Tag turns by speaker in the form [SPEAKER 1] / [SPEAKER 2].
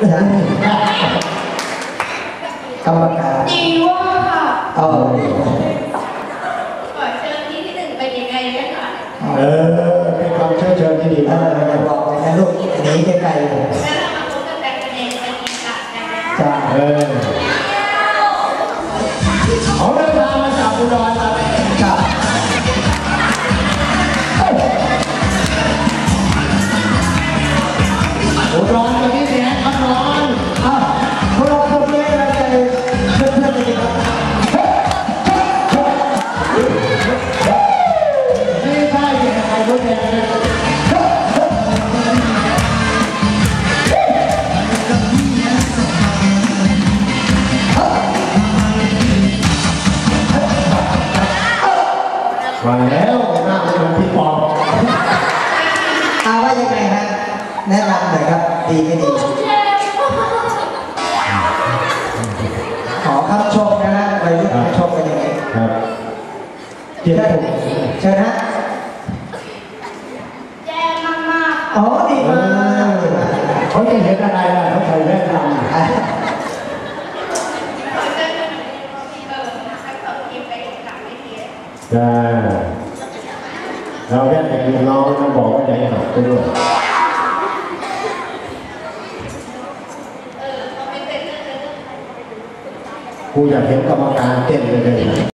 [SPEAKER 1] กรรมการ
[SPEAKER 2] ดีว่าค่ะ
[SPEAKER 1] ขอ
[SPEAKER 2] เชิญที่หนึ่งเป็นยังไงเนี่ยค่ะ
[SPEAKER 3] เป็นคำเชิญที่ดีมาก
[SPEAKER 1] บอกเลยนะลูกหนีไกลๆ
[SPEAKER 2] แล้วเรามาพบกันแบบเองเป็นอีกค่ะ
[SPEAKER 1] จ้า
[SPEAKER 3] เขาเดินทางมาจากอุดรครับ
[SPEAKER 1] ครับ
[SPEAKER 3] อุดรตอนนี้เสียงอุดร
[SPEAKER 1] พวกเราพวกนี้เราจะเพื่อนๆกันดีครับ
[SPEAKER 3] ไม่ใช่เสียงใครรู้แทนมาแล้วหน้าเป็นพี่ปอบ
[SPEAKER 1] ว่ายังไงฮะแนะนำหน่อยครับดีไม่ดีขอคำชมนะฮะวัยรุ่นคำชมเป็นยังไง
[SPEAKER 3] ครับเชิ
[SPEAKER 1] ญฮะ
[SPEAKER 2] แย่มากๆ
[SPEAKER 1] อ๋อดีมาก
[SPEAKER 3] เขาจะเห็นอะไรล่ะเขาใส่แว่นดำ
[SPEAKER 2] ขอเชิญที่ให้เปิดคลิปไปหลังไม่เทีย
[SPEAKER 3] จ้าเราแค่แต่กินน้องต้องบอกว่าใจหักไปด้วยกูอยากเห็นกรรมการเต้นเลย